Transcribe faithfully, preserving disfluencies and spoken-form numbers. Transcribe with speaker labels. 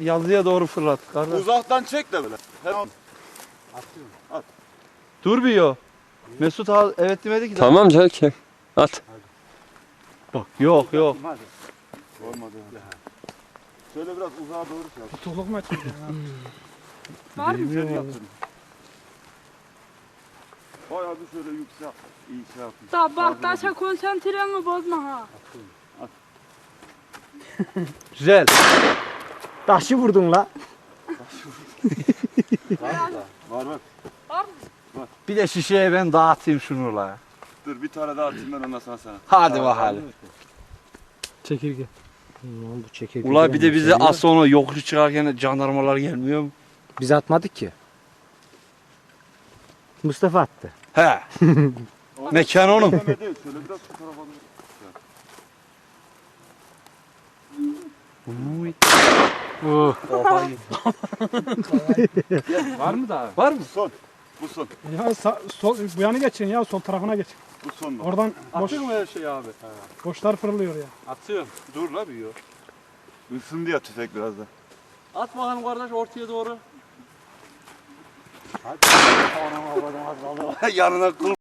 Speaker 1: yazıya doğru fırlat kardeş.
Speaker 2: Uzaktan çek de böyle. Hep
Speaker 3: Atıyorum.
Speaker 2: at.
Speaker 1: Dur bir yo. Mesut abi evet demedi ki.
Speaker 4: Tamam canım çek. At.
Speaker 1: Bak yok yok.
Speaker 3: Hadi.
Speaker 2: Olmadı. Şöyle biraz uzağa doğru şey yap.
Speaker 5: Tutukluk mu açıldı ya?
Speaker 1: Var mı?
Speaker 2: Şöyle yaptın. Bayağı bir şöyle yüksek. İyi şey yapın.
Speaker 6: Da bak taşa konsantreni bozma ha.
Speaker 1: Güzel.
Speaker 3: Taşı vurdun la.
Speaker 2: Var var.
Speaker 6: Var mı?
Speaker 1: Bir de şişeye ben dağıtayım şunu la.
Speaker 2: Dur bir tane daha atayım ben ondan sonra sana.
Speaker 1: Hadi bakalım.
Speaker 5: Çekirge.
Speaker 3: Ne oldu çekirge?
Speaker 1: Ula bir de bize az sonra yokuş çıkarken jandarmalar gelmiyor mu?
Speaker 3: Biz atmadık ki. Mustafa attı.
Speaker 1: He. Mekan onun.
Speaker 2: Değil, şöyle biraz şu tarafa doğru.
Speaker 1: Uy.
Speaker 5: Oh.
Speaker 1: Kafayı. Var mı daha? Var mı?
Speaker 2: Bu son. Bu son.
Speaker 5: Ya sa- sol, bu yana geçin ya sol tarafına geç.
Speaker 2: Bu son bak.
Speaker 5: Oradan boş,
Speaker 1: Atıyor mu her şeyi abi?
Speaker 5: boşlar fırlıyor ya.
Speaker 1: Atıyorum. Dur la bir yo.
Speaker 2: Isındı ya tüfek biraz da.
Speaker 1: At bakalım kardeş ortaya doğru.
Speaker 2: Yanına kıl